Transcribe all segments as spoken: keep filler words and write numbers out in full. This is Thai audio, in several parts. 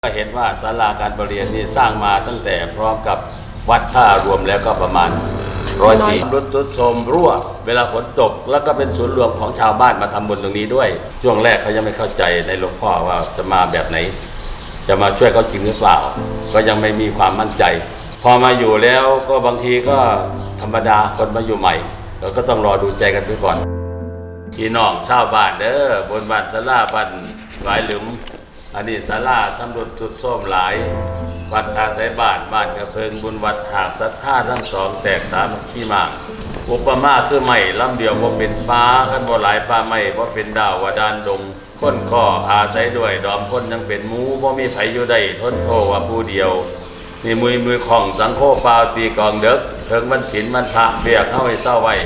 ก็เห็นว่าศาลาการประเรียนนี่สร้างมาตั้งแต่พร้อมกับวัดท่ารวมแล้วก็ประมาณร้อยปีรุดซุดโทรมรั่วเวลาฝนตกแล้วก็เป็นศูนย์รวมของชาวบ้านมาทำบุญตรงนี้ด้วยช่วงแรกเขายังไม่เข้าใจในหลวงพ่อว่าจะมาแบบไหนจะมาช่วยเขาจริงหรือเปล่าก็ยังไม่มีความมั่นใจพอมาอยู่แล้วก็บางทีก็ธรรมดาคนมาอยู่ใหม่เราก็ต้องรอดูใจกันไปก่อนพี่น้องชาวบ้านเด้อบนบ้านศาลาบ้านหลายหลุมอันนี้ศาลาทำรุดสุดโทรมหลายวัดอาศัยบ้านบ้านกระเพิงบุญวัดหากศรัทธาทั้งสองแตกสามัคคีมากอุปมาคือไม่ลำเดียวว่าเป็นฟ้าขันบ่หลายฟ้าไม่ว่าเป็นดาวว่าดานดงคนก็อาศัยด้วยดอมคนยังเป็นหมูว่ามีไผอยู่ได้ทนโทว่าผู้เดียวมีมือมือของสังโฆปาตีกองเด็กเพิงมันฉินมันพระเบียกเข้าให้เศร้าไว้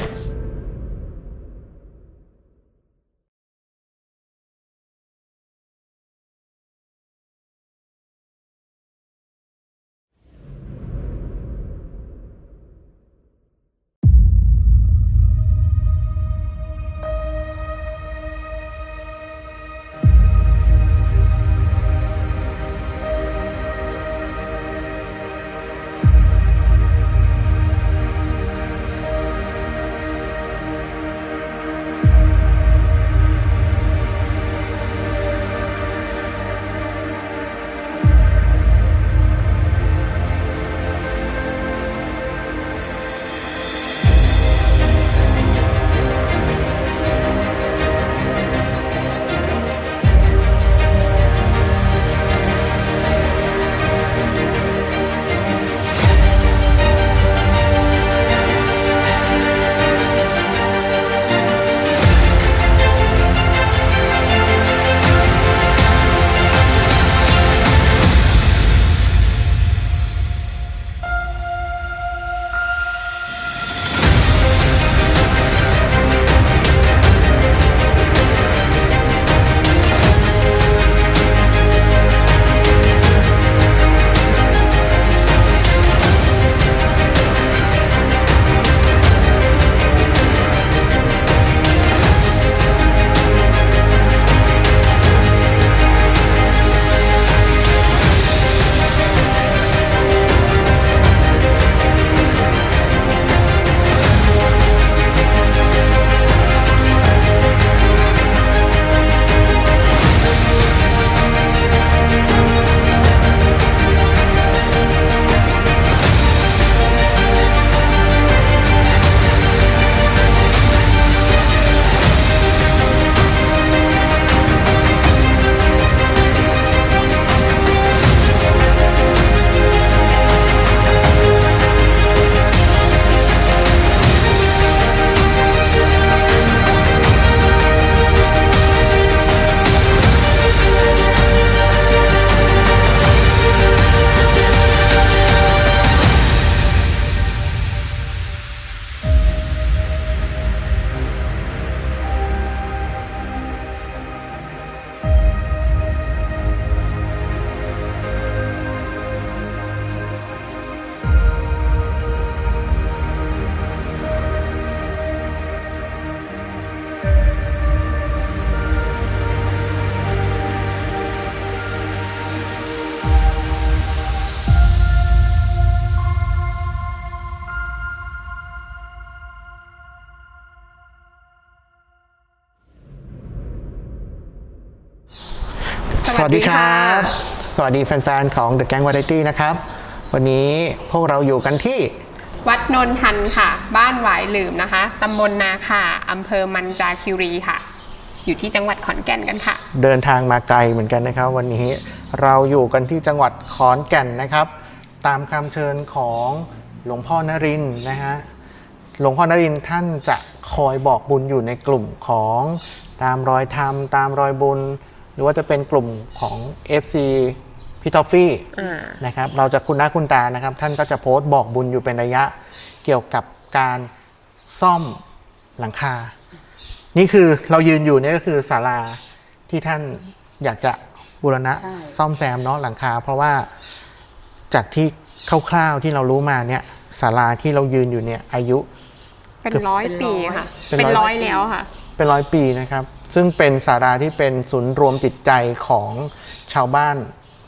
สวัสดีครับสวัสดีแฟนๆของ The Gang Variety นะครับวันนี้พวกเราอยู่กันที่วัดนนทันค่ะบ้านหวายหลืมนะคะตำบลนาข่าอำเภอมันจาคีรีค่ะอยู่ที่จังหวัดขอนแก่นกันค่ะเดินทางมาไกลเหมือนกันนะครับวันนี้เราอยู่กันที่จังหวัดขอนแก่นนะครับตามคำเชิญของหลวงพ่อนรินทร์นะฮะหลวงพ่อนรินทร์ท่านจะคอยบอกบุญอยู่ในกลุ่มของตามรอยธรรมตามรอยบุญหรือว่าจะเป็นกลุ่มของ เอฟ ซี พี่ทอฟฟี่นะครับเราจะคุณหน้าคุณตานะครับท่านก็จะโพสต์บอกบุญอยู่เป็นระยะเกี่ยวกับการซ่อมหลังคานี่คือเรายืนอยู่นี่ก็คือศาลาที่ท่านอยากจะบูรณะซ่อมแซมเนาะหลังคาเพราะว่าจากที่คร่าวๆที่เรารู้มาเนี่ยศาลาที่เรายืนอยู่เนี่ยอายุเป็นร้อยปีค่ะเป็นร้อยแล้วค่ะเป็นร้อยปีนะครับซึ่งเป็นศาลาที่เป็นศูนย์รวมจิตใจของชาวบ้าน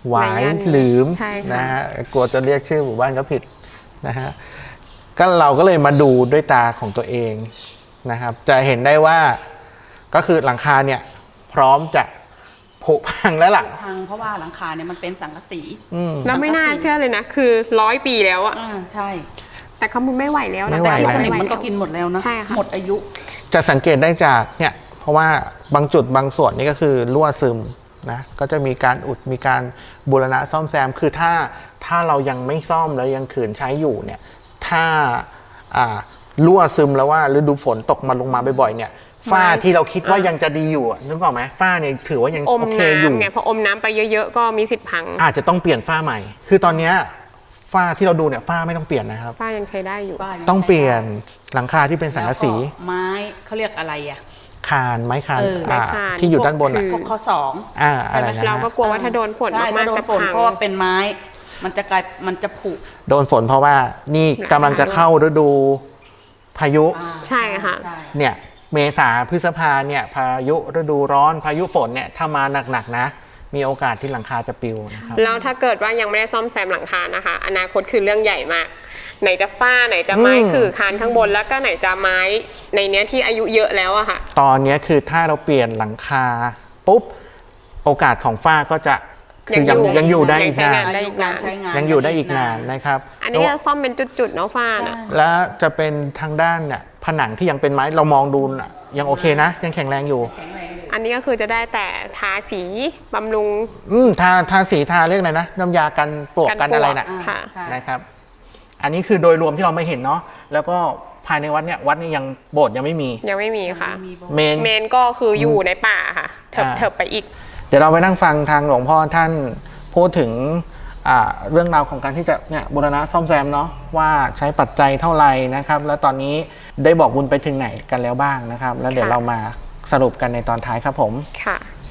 หวายหลืมใช่ค่ะนะฮะกลัวจะเรียกชื่อหมู่บ้านก็ผิดนะฮะก็เราก็เลยมาดูด้วยตาของตัวเองนะครับจะเห็นได้ว่าก็คือหลังคาเนี่ยพร้อมจะผุพังแล้วล่ะพังเพราะว่าหลังคาเนี่ยมันเป็นสังกะสีอืมแล้วไม่น่าเชื่อเลยนะ คือร้อยปีแล้วอะอ่าใช่แต่เขามุนไม่ไหวแล้วนะไม่ไหวที่แล้วสนิมมันก็กินหมดแล้วนะใช่ค่ะหมดอายุจะสังเกตได้จากเนี่ยเพราะว่าบางจุดบางส่วนนี่ก็คือรั่วซึมนะก็จะมีการอุดมีการบูรณะซ่อมแซมคือถ้าถ้าเรายังไม่ซ่อมแล้วยังขืนใช้อยู่เนี่ยถ้าอ่ารั่วซึมแล้วว่าฤดูฝนตกมาลงมาบ่อยๆเนี่ยฝ้าที่เราคิดว่ายังจะดีอยู่อะนึกออกไหมฝ้าเนี่ยถือว่ายังอมโอเคอยู่น้ำไงพออมน้ำไปเยอะๆก็มีสิทธิ์พังอาจจะต้องเปลี่ยนฝ้าใหม่ คือตอนเนี้ยฝ้าที่เราดูเนี่ยฝ้าไม่ต้องเปลี่ยนนะครับป้ายังใช้ได้อยู่บ้านยังต้องเปลี่ยนใช้หลังคาที่เป็นได้สังกะสีแล้วก็ไม้เขาเรียกอะไรอ่ะคานไม้คานเออไม้อ่าคานที่อยู่ด้านบนอ่ะคือพวกข้อสองอ่าใช่อะไรไหมนะเราก็กลัวว่าถ้าโดนฝนใช่มาถ้าก โดๆนจะฝนพังเพราะว่าเป็นไม้ มันจะกลายมันจะผุโดนฝนเพราะว่านี่กำลังจะเข้าฤดูพายุอ่าใช่ค่ะใช่เนี่ยเมษาพฤษภาเนี่ยพายุฤดูร้อนพายุฝนเนี่ยถ้ามาหนักๆนะ มีโอกาสที่หลังคาจะปลิวนะครับแล้วถ้าเกิดว่ายังไม่ได้ซ่อมแซมหลังคานะคะ อนาคตคือเรื่องใหญ่มาก ไหนจะฝ้าไหนจะไม้อืมขื่อคานข้างบนแล้วก็ไหนจะไม้ในเนี้ยที่อายุเยอะแล้วอะค่ะตอนเนี้ยคือถ้าเราเปลี่ยนหลังคาปุ๊บโอกาสของฝ้าก็จะคือยังยังอยู่ยังอยู่ได้อีกใช้นานงานอายุการใช้งานยังอยู่ได้อีกนานนะครับอันนี้จะซ่อมเป็นจุดๆเนาะฝ้าน่ะและจะเป็นทางด้านเนี่ยผนังที่ยังเป็นไม้เรามองดูน่ะยังโอเคนะ ยังแข็งแรงอยู่อันนี้ก็คือจะได้แต่ทาสีบำรุงอืมทาทาสีทาเรียกอะไรนะน้ำยากันปลวกกันอะไรน่ะอ่าค่ะใช่นะครับ อันนี้คือโดยรวมที่เราไม่เห็นเนาะแล้วก็ภายในวัดเนี่ยวัดนี่ยังโบสถ์ยังไม่มียังไม่มีค่ะมีบอกเมนเมนก็คืออยู่ในป่าค่ะ เถิบอ่าเถิบไปอีกเดี๋ยวเราไปนั่งฟังทางหลวงพ่อท่านพูดถึงอ่าเรื่องราวของการที่จะเนี่ยบูรณะซ่อมแซมเนาะว่าใช้ปัจจัยเท่าไหร่นะครับ แล้วตอนนี้ได้บอกบุญไปถึงไหนกันแล้วบ้างนะครับ แล้วเดี๋ยวค่ะเรามาสรุปกันในตอนท้ายครับผมค่ะ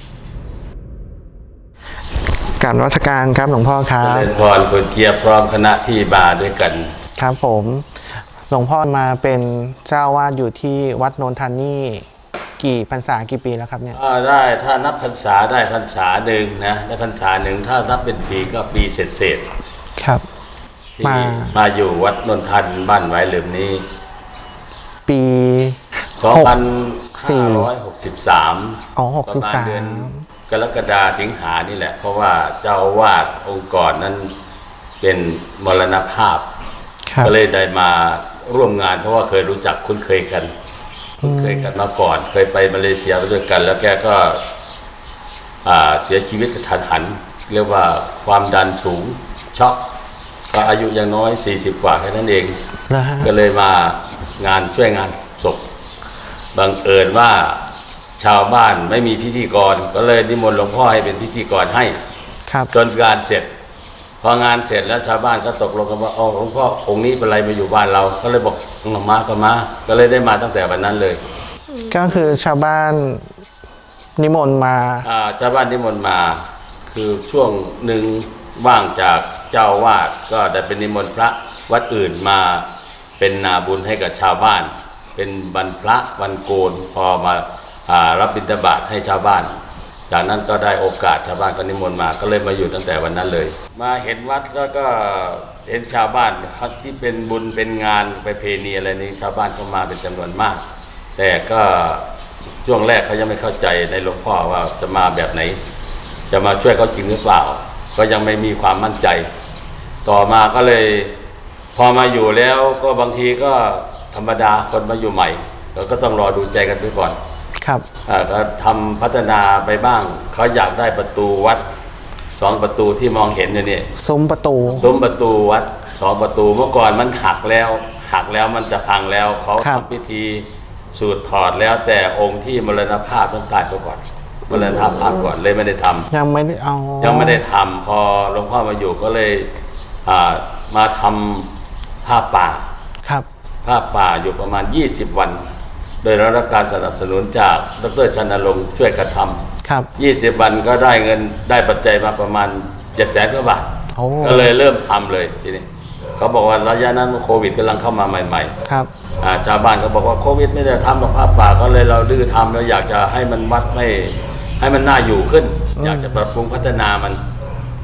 กรารวัฒการครับหลวงพ่อครัเจบริญพรคุณเกียร์พร้อมคณะที่มาด้วยกันครับผมหลวงพ่อมาเป็นเจ้าวาดอยู่ที่วัดโนนทันนี่กี่พรรษากี่ปีแล้วครับเนี่ยอ่าได้ถ้านับพรรษาได้พรรษาหนึ่งนะได้พรรษาหนึ่งถ้านับเป็นปีก็ปีเศษเศษครับๆที่มามาอยู่วัดนนทันบ้านไว้หลืมนี้ปีสองพันสี่ห้าร้อยหกสิบสามอ๋อหกประสิบมาณสามเดือนกรกฎาสิงหานี่แหละ เพราะว่าเจ้าอาวาดองค์กรนั้นเป็นมรณภาพครับก็เลยได้มาร่วมงาน เพราะว่าเคยรู้จักคุ้นเคยกันคุ้นเคยกันมาก่อน เคยไปมาเลเซียไปด้วยกัน แล้วแกก็อ่าเสียชีวิตกระทันหัน เรียกว่าความดันสูงช็อกก็อายุยังน้อยสี่สิบกว่าแค่นั้นเองแล้วฮะก็เลยมางานช่วยงานศพบังเอิญว่าชาวบ้านไม่มีพิธีกร ก็เลยนิมนต์หลวงพ่อให้เป็นพิธีกรให้ครับจนงานเสร็จ พองานเสร็จแล้วชาวบ้านก็ตกลงกันว่าอ๋อหลวงพ่อองค์นี้เป็นไรมาอยู่บ้านเรา ก็เลยบอกเอามาก็มา ก็เลยได้มาตั้งแต่วันนั้นเลยก็คือชาวบ้านนิมนต์มาอ่าชาวบ้านนิมนต์มา คือช่วงหนึ่งว่างจากเจ้าวาดก็ได้เป็นนิมนต์พระวัดอื่นมาเป็นนาบุญให้กับชาวบ้าน เป็นวันพระวันโกนพอมาอ่ารับบิณฑบาตให้ชาวบ้าน จากนั้นก็ได้โอกาสชาวบ้านก็นิมนต์มาก็เลยมาอยู่ตั้งแต่วันนั้นเลย มาเห็นวัดแล้วก็เห็นชาวบ้านเขาที่เป็นบุญเป็นงานไปเพณีอะไรนี้ชาวบ้านก็มาเป็นจำนวนมาก แต่ก็ช่วงแรกเขายังไม่เข้าใจในหลวงพ่อว่าจะมาแบบไหน จะมาช่วยเขาจริงหรือเปล่า ก็ยังไม่มีความมั่นใจ ต่อมาก็เลยพอมาอยู่แล้วก็บางทีก็ธรรมดาคนมาอยู่ใหม่เราก็ต้องรอดูใจกันไปก่อนครับอ่าก็ทำพัฒนาไปบ้าง เขาอยากได้ประตูวัดสองประตูที่มองเห็นอยู่นี่ซุ้มประตูซุ้มประตูวัดสองประตูเมื่อก่อนมันหักแล้ว หักแล้วมันจะพังแล้วเขาครับทำพิธีสูตรถอดแล้วแต่องค์ที่มรณภาพต้องตายไปก่อนมรณภาพก่อนเลยไม่ได้ทำยังไม่ได้เอายังไม่ได้ทำพอหลวงพ่อมาอยู่ก็เลยอ่ามาทำผ้าป่าครับผ้าป่าอยู่ประมาณยี่สิบวัน โดยได้รับการสนับสนุนจากดรชันนรงค์ช่วยกระทครับำยี่สิบวันก็ได้เงินได้ปัจจัยมาประมาณเจ็ดแสนกว่าบาทโอ้ก็เลยเริ่มทำเลยทีนี้เขาบอกว่าระยะนั้นโควิดกำลังเข้ามาใหม่ครับๆอ่าชาวบ้านก็บอกว่าโควิดไม่ได้ทำหรอกผ้าป่าก็เลยเราดื้อทำแล้วอยากจะให้มันวัดไม่ให้มันน่าอยู่ขึ้น อยากจะปรับปรุงพัฒนามัน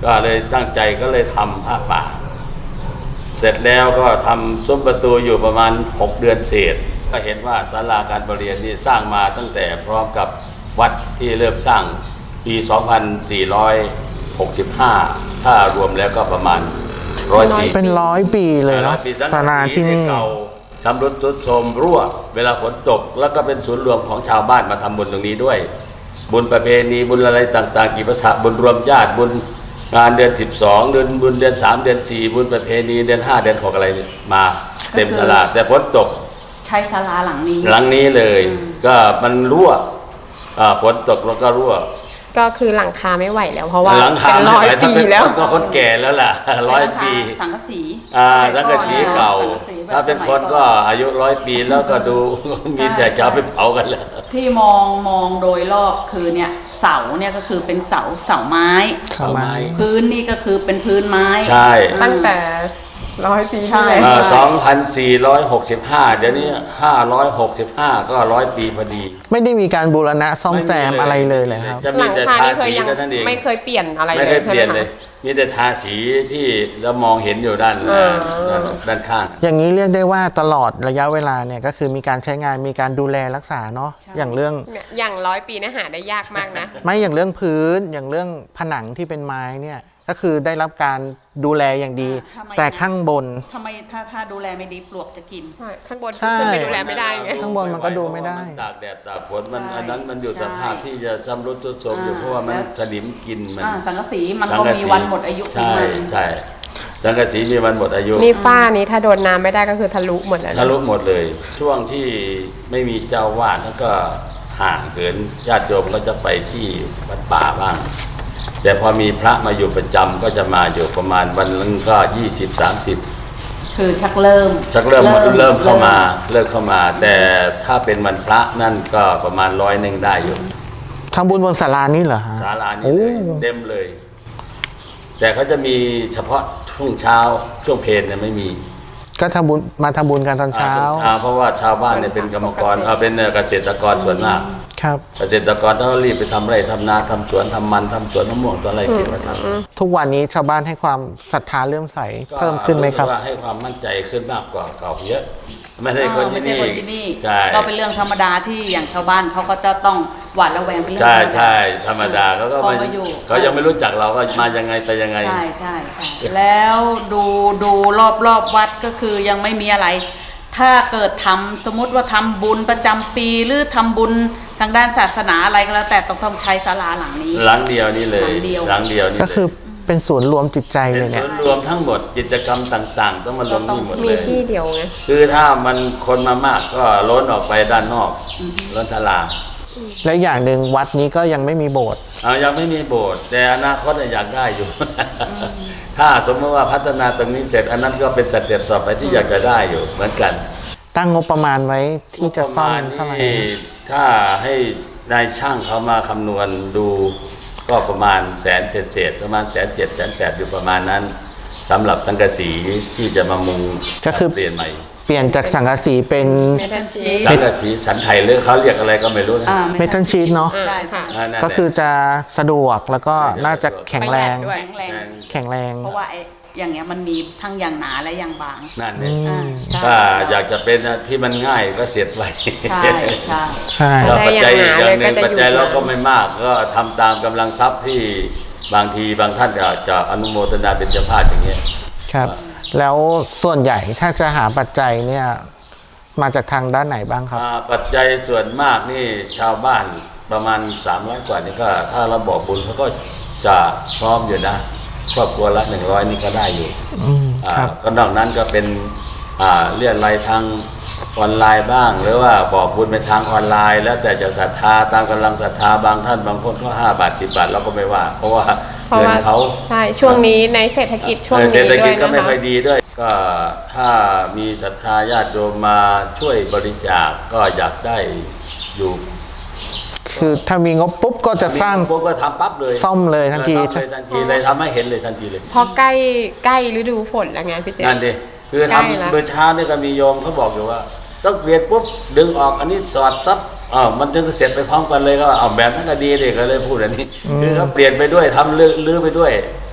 ก็เลยตั้งใจก็เลยทำผ้าป่าเสร็จแล้วก็ทำซุ้มประตูอยู่ประมาณหกเดือนเศษก็เห็นว่าศาลาการประเรียนนี่สร้างมาตั้งแต่พร้อมกับวัดที่เริ่มสร้างปี สองพันสี่ร้อยหกสิบห้า ถ้ารวมแล้วก็ประมาณร้อยปีเป็นร้อยปีเลยเนาะปีศาลาที่นี่เก่าชำรุดทรุดโทรมรั่วเวลาฝนตกแล้วก็เป็นศูนย์รวมของชาวบ้านมาทำบุญตรงนี้ด้วย บุญประเพณีบุญอะไรต่างๆกิจวัตรบุญรวมญาติบุญงานเดือนสิบสองเดือนบุญเดือนสามเดือนสี่บุญประเพณีเดือนห้าเดือนหกอะไรมาเต็มตลาดแต่ฝนตกใช้ศาลาหลังนี้หลังนี้เลยก็มันรั่วอ่าฝนตกแล้วก็รั่วก็คือหลังคาไม่ไหวแล้วเพราะว่าหลังคาเป็นร้อยไม่ไหวถ้าปีเป็นแล้วคนก็คนแก่แล้วล่ะร้อยปีสังกะสีอ่าสังกะสีเก่าสังกะสีแบบถ้าเป็นคนก็อายุร้อยปีแล้วก็ดู มีแต่จะเอาไปเผากันแล้วที่มองมองโดยรอบคือเนี่ยเสาเนี่ยก็คือเป็นเสาเสาไม้ทำไมพื้นนี่ก็คือเป็นพื้นไม้ใช่ตั้งแต่ร้อยปีใช่ที่แล้วเอ่อสองพันสี่ร้อยหกสิบห้าเดี๋ยวนี้ห้าร้อยหกสิบห้าก็ร้อยปีพอดีไม่ได้มีการบูรณะซ่อมแซมอะไรเลยเลยครับจะหมีลังแต่คาทานี่เคยสียังเท่านั้นเองไม่เคยเปลี่ยนอะไรไม่เลเคยยเปลี่ยนเลยใช่ไหมคะมีแต่ทาสีที่เรามองเห็นอยู่ด้านเออด้านด้านข้างอย่างนี้เรียกได้ว่าตลอดระยะเวลาเนี่ยก็คือมีการใช้งานมีการดูแลรักษาเนาะอย่างเรื่องเนี่ยอย่างร้อยปีเนะหาได้ยากมากนะไม่อย่างเรื่องพื้นอย่างเรื่องผนังที่เป็นไม้เนี่ยก็คือได้รับการดูแลอย่างดีทำไมแต่ข้างบนทำไมถ้าถ้าดูแลไม่ดีปลวกจะกินใช่ข้างบนใช่ขึ้นไปดูแลไม่ได้ไงข้างบนมันก็ดูไม่ได้เพราะว่ามันตากแดดตากฝนมันใช่อันนั้นมันอยู่สภาพใช่ที่จะชำรุดทรุดโทรมอยู่อ่าเพราะว่ามันแล้วสนิมกินมันอ่าสังกะสีมันสังก็กะมีสีวันหมดอายุของใช่มันใช่สังกะสีมีวันหมดอายุนี่ฝ้านี้ถ้าโดนน้ำไม่ได้ก็คือทะลุหมดแล้วนะทะลุหมดเลย ช่วงที่ไม่มีเจ้าวาดแล้วก็ห่างเกินญาติโยมก็จะไปที่วัดป่าบ้าง แต่พอมีพระมาอยู่ประจำก็จะมาอยู่ประมาณวันนึงก็ยี่สิบสามสิบคือชักเริ่มชักเริ่มเริ่มเข้ามาเริ่มเข้ามา แต่ถ้าเป็นวันพระนั่นก็ประมาณร้อยหนึ่งได้อยู่ทำบุญบนศาลานี่เหรอฮะศาลานี้โอ้เลยเต็มเลย แต่เขาจะมีเฉพาะช่วงเช้าช่วงเพลนเนี่ยไม่มีก็ทำบุญมาทำบุญกันตอนเช้าอ่ช่วงเช้าเพราะว่าชาวบ้านเนี่ยเป็นกรรมกรเอาเป็นเกษตรกรส่วนมากครับเกษตรกรต้องรีบไปทำไร่ทำนาทำสวนทำมันทำสวนมะม่วงตัวอะไรเกี่ยวกับทำทุกวันนี้ชาวบ้านให้ความศรัทธาเลื่อมใสก็เพิ่มขึ้นไหมครับสึกว่าให้ความมั่นใจขึ้นมากกว่าเก่าเยอะ ไม่ใช่เอคนอไม่ที่ใช่นี่คนที่นี่ใช่ก็เป็นเรื่องธรรมดาที่อย่างชาวบ้านเขาก็จะต้องหวาดระแวงเป็นเรื่องใช่ธรรมดาใช่ธรรมดาเขาก็พอไม่มาอยู่เขายังไม่รู้จักเราว่ามายังไงไปยังไงใช่ใช่ใช่แล้วดูดูรอบรอบวัดก็คือยังไม่มีอะไร ถ้าเกิดทำสมมติว่าทำบุญประจำปีหรือทำบุญทางด้านศาสนาอะไรก็แล้วแต่ต้องต้องใช้ศาลาหลังนี้หลังเดียวนี่เลยหลังเดียวหลังเดียวนี่ก็เลยคือเป็นศูนย์รวมจิตใจเป็เลนยเนี่ส่ยวนรวมทั้งหมดกิจกรรมต่างๆ ต้องมารวมนี่หมดมีเลยที่เดียวไงคือถ้ามันคนมามากก็ล้นออกไปด้านนอกล้นทลาและอย่างหนึ่งวัดนี้ก็ยังไม่มีโบสถ์เอายังไม่มีโบสถ์แต่อนาคตอยากได้อยู่ ถ้าสมมติว่าพัฒนาตรงนี้เสร็จอันนั้นก็เป็นสเต็ปต่อไปที่อยากจะได้อยู่เหมือนกันตั้งงบประมาณไว้ที่จะซ่อมงบประเท่าไหมาร่ณนี้ถ้าให้นายช่างเขามาคำนวณดูก็ประมาณแสนเศษๆประมาณแสนเจ็ดแสนแปดอยู่ประมาณนั้นสำหรับสังกะสีที่จะมามุงก็คือเปลี่ยนใหม่เปลี่ยนจากสังกะสีเป็นเมทัลชีสสังกะสีสันไทยหรือเขาเรียกอะไรก็ไม่รู้นะอ่าเมทัลชีทเนาะใช่ใช่นั่นแหละก็คือจะสะดวกแล้วก็น่าจะแข็งแรงประหยัดด้วยแข็งแรงแข็งแรงเพราะว่าไอ้อย่างเงี้ยมันมีทั้งอย่างหนาและอย่างบางนั่นอืเนี่ยมอ่าใช่ถ้าอยากจะเป็นที่มันง่ายก็เสียดไว้ใช่ใช่ใช่แล้วปัจจัยอีกอย่างหนึ่งได้อย่างหนาเลยก็จะอยู่ปัจจัยเราก็ไม่มากก็ทำตามกำลังทรัพย์ที่บางทีบางท่านอาจจะอนุโมทนาเป็นเจ้าภาพอย่างเงี้ยครับ แล้วส่วนใหญ่ถ้าจะหาปัจจัยเนี่ยมาจากทางด้านไหนบ้างครับอ่าปัจจัยส่วนมากนี่ชาวบ้านประมาณสามร้อยกว่านี่ก็ถ้าเราบอกบุญเขาก็จะพร้อมอยู่นะครอบครัวละหนึ่งร้อยนี่ก็ได้อยู่อืมอ่าครับก็นอกนั้นก็เป็นอ่าเรียกรายทางออนไลน์บ้าง หรือว่าบอกบุญไปทางออนไลน์ แล้วแต่จะศรัทธาตามกำลังศรัทธาบางท่านบางคนก็ห้าบาทสิบบาทเราก็ไม่ว่า เพราะว่าเพราะเงินว่าเขาใช่ช่วงนี้ในเศรษฐกิจช่วงเออนี้เศรษฐด้กิวจยก็นะไม่คะค่อยดีด้วย ก็ถ้ามีศรัทธาญาติโยมมาช่วยบริจาคก็อยากได้อยู่คือถ้ามีงบปุ๊บก็จะสร้างพวกก็ทำปั๊บเลยซ่อมเลยทันทีซ่อมเลยทันทีเลยทำให้เห็นเลยทันทีเลยเพราะใกล้ใกล้ฤดูฝนแล้วไงพี่เจนั่นดิคือใกล้ทำละเมื่อเช้านี่ก็มีโยมเขาบอกอยู่ว่า ต้องเปลี่ยนปุ๊บดึงออกอันนี้สอดซับอ้าวมันจึงเสร็จไปพร้อมกันเลยก็เอาแบบนั้นก็ดีเลยก็เลยพูดอันนี้คือเขาเปลี่ยนไปด้วยทำลื้อลื้อไปด้วย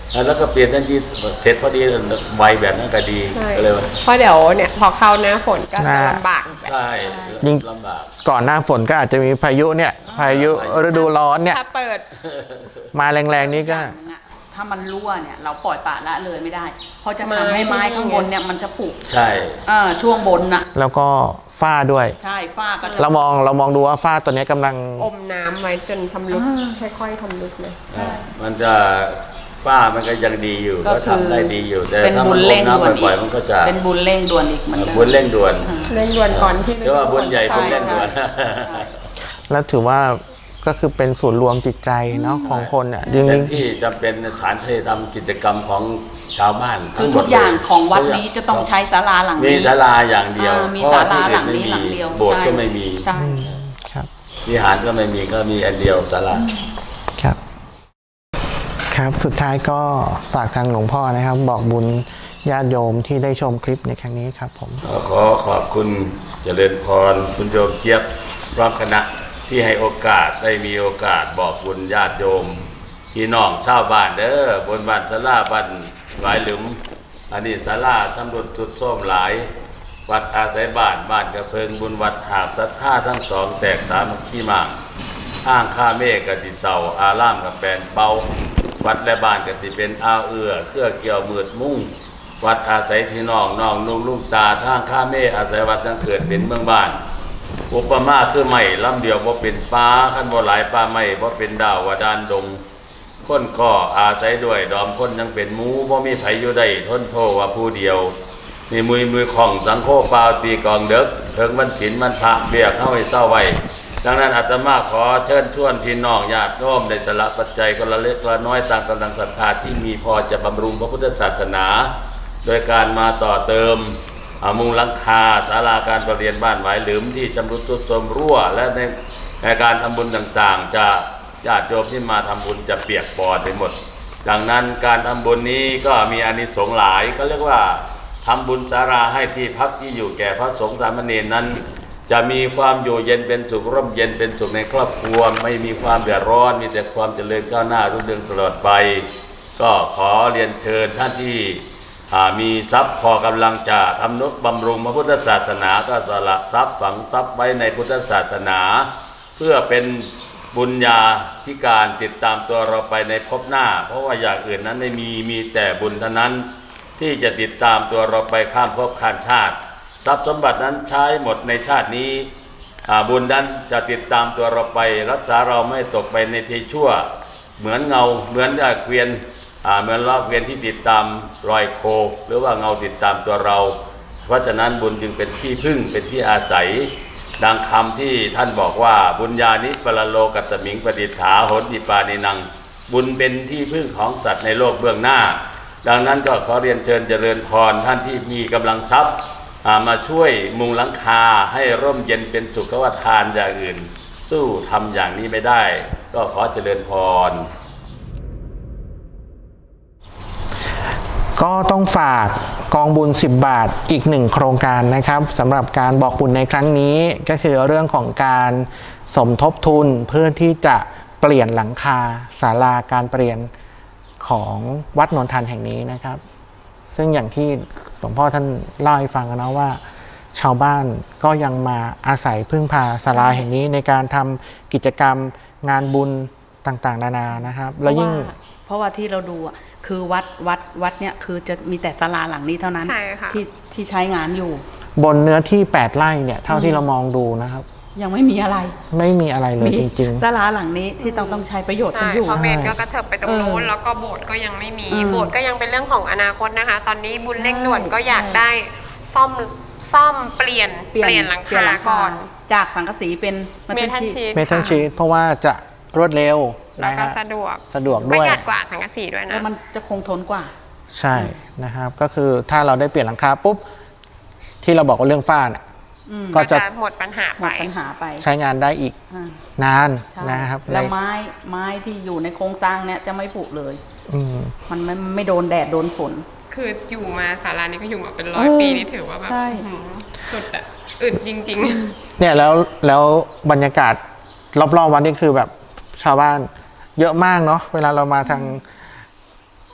แล้วก็เปลี่ยนทันทีเสร็จพอดีไวแบบนั้นก็ดีใช่ก็เลยว่าเพราะเดี๋ยวเนี่ยพอเข้าหน้าฝนก็จะลำบากแบบใช่ยิ่งลำบากก่อนหน้าฝนก็อาจจะมีพายุเนี่ยพายุฤดูร้อนเนี่ยถ้าเปิดมาแรงๆนี้ก็อย่างหนึ่งอะถ้ามันรั่วเนี่ยเราปล่อยปละละเลยไม่ได้เพราะจะทำให้ไม้ข้างบนเนี่ยมันจะผุใช่เออช่วงบนน่ะแล้วก็ฝ้าด้วยใช่ฝ้าก็จะเรามองเรามองดูว่าฝ้าตัวนี้กำลังอมน้ำไว้จนชำรุดค่อยๆทำรุดเลยมันจะฝ้ามันก็ยังดีอยู่ก็ก็คือทำได้ดีอยู่แต่เป็นถ้าบุมันญลเร่งงด่วนน้ำอีบ่อยกๆมันก็จะเป็นบุญเร่งด่วนอีกเหมือนกันบุญเร่งด่วนเร่งด่วนก่อนที่เรียกว่าบุญใหญ่บุญเร่งด่วนใช่ใช่แล้วถือว่าก็คือเป็นศูนย์รวมจิตใจเนาะของคนอ่ะจริเป็นงที่จำเป็นสถานที่ทำกิจกรรมของชาวบ้านคือทั้หมทุดกเลอย่างของวัดทุกย่านี้จะต้องใช้ศาลาหลังมีนี้ศาลาอย่างเดียวอ่ามีเพราะว่าศาที่ลาอื่หลันงไม่มีนี้หลังเดียวโบสถ์ใช่ก็ไม่มีใช่ๆครับวิหารก็ไม่มีก็มีอันเดียวศาลาครับ ครับสุดท้ายก็ฝากทางหลวงพ่อนะครับ บอกบุญญาติโยมที่ได้ชมคลิปในครั้งนี้ครับผมขอขอขอบคุณเจริญพรคุณโยมเจี๊ยบพร้อมคณะที่ให้โอกาสได้มีโอกาสบอกบุญญาติโยมพี่น้องชาวบ้านเด้อบนบ้านศาลาบ้านหลายหลุมอันนี้ศาลาตำรวจจุดส้มหลาย วัดอาศัยบ้านบ้านกระเพิงบุญวัดหาบศรัทธาทั้งสองแตกสามัคคีมากอ้างข้าเมฆกติเสาอารามกับแปลนเปาวัดและบ้านกติเป็นอาเอือเครือเกี่ยวมืดมุ่ง วัดอาศัยพี่น้องน้องนุ่งลูกตาทางข้าเมฆอาศัยวัดทั้งเกิดเป็นเมืองบ้านอุปมาคือไม่ลำเดียวบ่เป็นป้าขั้นบ่หลายป้าไม่บ่เป็นดาววดานดงคนก็อาศัยด้วยดอมคนยังเป็นหมูบ่มีไผอยู่ได้ทนโทว่าผู้เดียวมีมือมือของสังโฆปาวตีกองเด็กเถิงวันศีลวันพระเบียกเข้าให้เศร้าไว้ดังนั้นอาตมาขอเชิญชวนพี่น้องญาติโยมได้สละปัจจัยคนละเล็กละน้อยตามกำลังศรัทธาที่มีพอจะบำรุงพระพุทธศาสนา โดยการมาต่อเติมอ่ามุงหลังคาศาลาการประเรียนบ้านหวายหลืมที่จำรุดทรุดโทรมรั่ว และในในการทำบุญต่างๆ จะญาติโยมที่มาทำบุญจะเปียกปอนไปหมด ดังนั้นการทำบุญนี้ก็มีอานิสงส์หลายก็เรียกว่าทำบุญศาลาให้ที่พักที่อยู่แก่พระสงฆ์สามเณรนั้น จะมีความอยู่เย็นเป็นสุขร่มเย็นเป็นสุขในครอบครัวไม่มีความเดือดร้อนมีแต่ความเจริญก้าวหน้ารุ่งเรืองตลอดไป ก็ขอเรียนเชิญท่านที่อ่ามีทรัพย์พอกำลังจะทำนุบำรุงพระพุทธศาสนาก็สละทรัพย์ฝังทรัพย์ไว้ในพุทธศาสนา เพื่อเป็นบุญญาธิการติดตามตัวเราไปในภพหน้า เพราะว่าอย่างอื่นนั้นไม่มีมีแต่บุญเท่านั้น ที่จะติดตามตัวเราไปข้ามภพข้ามชาติ ทรัพย์สมบัตินั้นใช้หมดในชาตินี้อ่าบุญนั้นจะติดตามตัวเราไปรักษาเราไม่ตกไปในที่ชั่ว เหมือนเงาเหมือนเกวียนอ่าเหมือนล้อเกวียนที่ติดตามรอยโคหรือว่าเงาติดตามตัวเรา เพราะฉะนั้นบุญจึงเป็นที่พึ่งเป็นที่อาศัย ดังคำที่ท่านบอกว่าบุญญานิปรโลกัสสมิงปฏิฐาโหติปานินังบุญเป็นที่พึ่งของสัตว์ในโลกเบื้องหน้า ดังนั้นก็ขอเรียนเชิญเจริญพรท่านที่มีกำลังทรัพย์อ่ามาช่วยมุงหลังคาให้ร่มเย็นเป็นสุขว่าทานอย่างอื่น สู้ทำอย่างนี้ไม่ได้ ก็ขอเจริญพรก็ต้องฝากกองบุญสิบบาทอีกหนึ่งโครงการนะครับสำหรับการบอกบุญในครั้งนี้ก็คือเรื่องของการสมทบทุนเพื่อที่จะเปลี่ยนหลังคาศาลาการเปลี่ยนของวัดนนทันแห่งนี้นะครับ ซึ่งอย่างที่หลวงพ่อท่านเล่าให้ฟังนะว่า ชาวบ้านก็ยังมาอาศัยพึ่งพาศาลาแห่งนี้ในการทำกิจกรรมงานบุญต่างๆนานานะครับแล้วยิ่งเพราะว่าที่เราดูอ่ะคือวัดวัดวัดเนี่ยคือจะมีแต่ศาลาหลังนี้เท่านั้นใช่ค่ะที่ที่ใช้งานอยู่บนเนื้อที่แปดไร่เนี่ยเท่าที่เรามองดูนะครับยังไม่มีอะไรไม่มีอะไรเลยจริงศาลาหลังนี้ที่ต้องต้องใช้ประโยชน์กันใช่อยู่เพราะเมนก็กระเถิบไปตรงนู้นเออแล้วก็โบสถ์ก็ยังไม่มีอืมโบสถ์ก็ยังเป็นเรื่องของอนาคตนะคะ ตอนนี้บุญเร่งด่วนใช่ก็อยากใช่ได้ซ่อมซ่อมเปลี่ยนเปลี่ยนหลังคาก่อนจากสังกะสีเป็นเมทัลชีๆทเมทัลชีทเพราะว่าจะรวดเร็วแล้วนะก็ฮะสะดวกสะดวกปด้ระวยหยัดกว่าสังกะสีด้วยแล้นะวมันจะคงทนกว่าใช่นะครับ ก็คือถ้าเราได้เปลี่ยนหลังคาปุ๊บ ที่เราบอกว่าเรื่องฝ้าเนี่ยอืมก็ก็จะจะหมดปัญหาหมไปดปัญหาไปใช้งานได้อีกอ่านานใช่นะครับแล้วในไม้ไม้ที่อยู่ในโครงสร้างเนี่ยจะไม่ผุเลยอืมมันไม่ไม่โดนแดดโดนฝนคืออยู่มาศาลานี้ก็อยู่มาเป็นร้อยเออปีนี่ถือว่าแบบใช่อื้อหือสุดอะอึดจริงเนี่ยแล้วแล้วบรรยากาศรอบๆวัดนี่คือแบบชาวบ้านเยอะมากเนาะเวลาเรามาทาง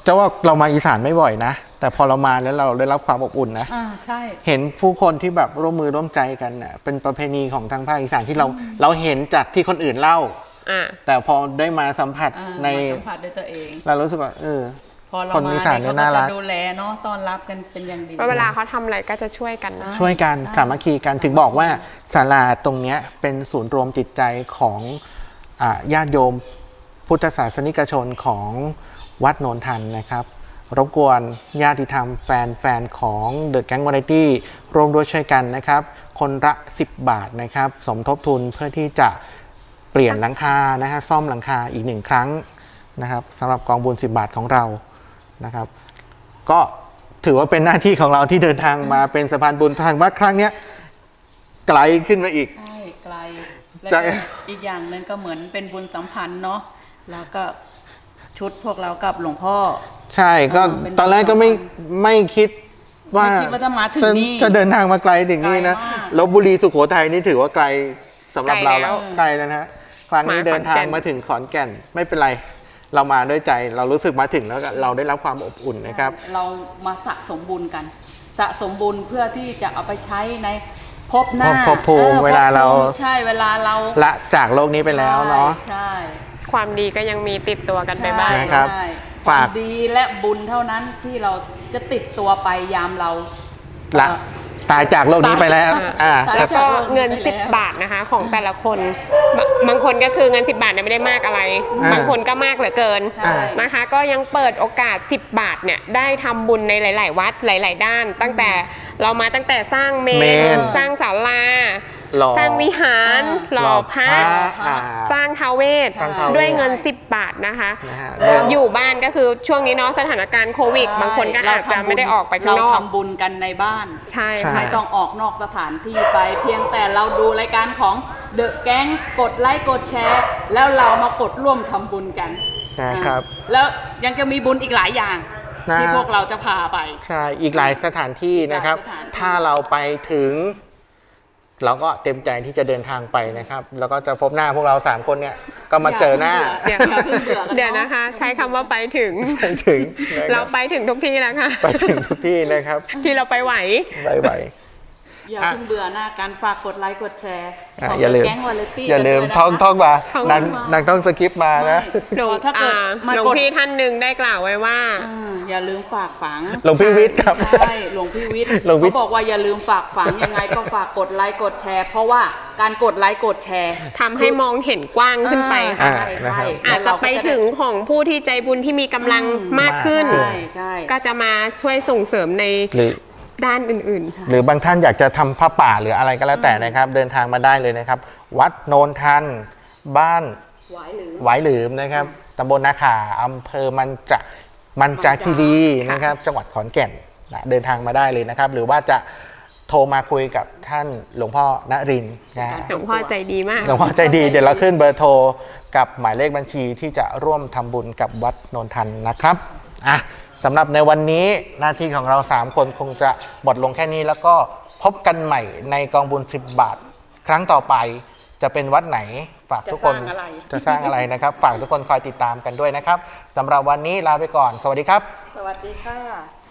จะว่าเรามาอีสานไม่บ่อยนะ แต่พอเรามาแล้วเราได้รับความอบอุ่นนะอ่าใช่เห็นผู้คนที่แบบร่วมมือร่วมใจกันเน่ะเป็นประเพณีของทางภาคอีสานที่เราเราเห็นจากที่คนอื่นเล่าอ่าแต่พอได้มาสัมผัสอ่าในมาสัมผัสด้วยตัวเองเรารู้สึกว่าเออพอเราคนมาอีสานเนี่ยเนี่ยเขาน่าก็รักจะดูแลเนาะต้อนรับกันเป็นอย่างดีเพราะเวลาเขาทำอะไรก็จะช่วยกันนะช่วยกันสามัคคีกันถึงบอกว่าศาลาตรงเนี้ยเป็นศูนย์รวมจิตใจของอ่าญาติโยมพุทธศาสนิกชนของวัดโนนทันนะครับ รบกวนญาติธรรมแฟนแฟนของเดอะแก๊งวาไรตี้ร่วมด้วยช่วยกันนะครับ คนละสิบบาทนะครับ สมทบทุนเพื่อที่จะเปลี่ยนหลังคานะฮะซ่อมหลังคาอีกหนึ่งครั้งนะครับสำหรับกองบุญสิบบาทของเรานะครับ ก็ถือว่าเป็นหน้าที่ของเราที่เดินทางมาเป็นสะพานบุญทางวัดครั้งเนี้ยไกลขึ้นมาอีกใช่ไกลแล้วจะก็อีกอย่างหนึ่งก็เหมือนเป็นบุญสัมพันธ์เนาะแล้วก็ชุดพวกเรากับหลวงพ่อใช่ก็อ่าเป็นตอนแรกก็ไม่ไม่คิดว่าไม่คิดว่าจะมาถึงจะนี่จะเดินทางมาไกลถึงนี่นะไกลมากลพบุรีสุโขทัยนี่ถือว่าไกลสำหรับเราไกลแล้แล้ว วไกลแล้วนะฮะครั้งนี้มาขอนแก่นเดินทางมาถึงขอนแก่นไม่เป็นไร เรามาด้วยใจเรารู้สึกมาถึงแล้วก็เราได้รับความอบอุ่นนะครับเรามาสะสมบุญกัน สะสมบุญเพื่อที่จะเอาไปใช้ในภพหน้าภพภูมิออเวลาเราภพภูมิใช่เวลาเราละจากโลกนี้ไปแล้วเนาะใช่ความดีก็ยังมีติดตัวกันไปบ้างใช่นะครับใช่ฝากความดีและบุญเท่านั้นที่เราจะติดตัวไปยามเราละตายจากโลกนี้ไปแล้วอ่าตายแล้วจากก็โลกนี้เงินไปแล้วสิบบาทนะคะ ของแต่ละคนบะบางคนก็คือเงินสิบบาทเนี่ยไม่ได้มากอะไรอ่าบางคนก็มากเหลือเกินใช่นะคะ ก็ยังเปิดโอกาสสิบบาทเนี่ยได้ทำบุญในหลาย ๆ วัดหลาย ๆ ด้าน ตั้งแต่เรามาตั้งแต่สร้างเมเมนนสร้างศาลาหล่อสร้างวิหารหล่อพระอ่าสร้างท้าวเวสสร้างท้าวเวสด้วยเงินสิบบาทนะคะนะฮะแล้วอยู่บ้านก็คือช่วงนี้เนาะสถานการณ์โควิด บางคนก็อาจจะไม่ได้ออกไปข้างนอกเราทำบุญกันในบ้านใช่ใช่ค่ะไม่ต้องออกนอกสถานที่ไป เพียงแต่เราดูรายการของเดอะแก๊งกดไลค์กดแชร์ แล้วเรามากดร่วมทำบุญกันนะครับอ่าแล้วยังจะมีบุญอีกหลายอย่างนะที่พวกเราจะพาไปใช่อีกหลายสถานที่นะครับหลายสถานที่ถ้าเราไปถึง เราก็เต็มใจที่จะเดินทางไปนะครับ แล้วก็จะพบหน้าพวกเราสามคนเนี่ยก็มาเจอหน้าเดี๋ยวอย่าเพิ่งเบื่อกันเดี๋ยวนะคะ ใช้คำว่าไปถึงไปถึงนะคเรารับไปถึงทุกที่แล้วค่ะไปถึงทุกที่นะครับที่เราไปไหวบายบายอย่าเพิ่งเบื่อหน้าการฝากกดไลค์กดแชร์อ่ะของอย่าลืมแก๊งวาเลตี้อย่าลืมกันท่องด้วยนะคะท่องมาท่องนางมานางต้องสกิปมานะหลวงถ้าเกิดอ่ามาหลวงกดพี่ท่านหนึ่งได้กล่าวไว้ว่าอ่าอย่าลืมฝากฝังหลวงพี่วิทย์ครับใช่หลวงพี่วิทย์หลวงวิทย์เขาบอกว่าอย่าลืมฝากฝังยังไงก็ฝากกดไลค์กดแชร์ เพราะว่าการกดไลค์กดแชร์ทำให้มองเห็นกว้างขึ้นไปอ่าค่ะใช่นะครัใช่บอาจจะไปถึงของผู้ที่ใจบุญที่มีกำลังมากขึ้นมากขึ้ใช่ใช่ก็จะมาช่วยส่งเสริมในหรือด้านอื่นๆหรือบางท่านอยากจะทำผ้าป่าหรืออะไรก็แล้วแต่นะครับ เดินทางมาได้เลยนะครับ วัดโนนทัน บ้านหวายหรือหวายหลืมนะครับตำบลนาขาอำเภอมันจะมันจาคีรีนะครับ จังหวัดขอนแก่นนะเดินทางมาได้เลยนะครับ หรือว่าจะโทรมาคุยกับท่านหลวงพ่อนรินทร์นะหลวงพ่อใจดีมากหลวงพ่อใจดีเดี๋ยวเราขึ้นเบอร์โทรกับหมายเลขบัญชีที่จะร่วมทำบุญกับวัดโนนทันนะครับอ่ะสำหรับในวันนี้หน้าที่ของเราสามคนคงจะหมดลงแค่นี้แล้วก็พบกันใหม่ในกองบุญสิบบาท ครั้งต่อไปจะเป็นวัดไหนฝากทุกคนจะสร้างอะไรจะสร้างอะไรนะครับ ฝากทุกคนคอยติดตามกันด้วยนะครับสำหรับวันนี้ลาไปก่อน สวัสดีครับสวัสดีค่ะ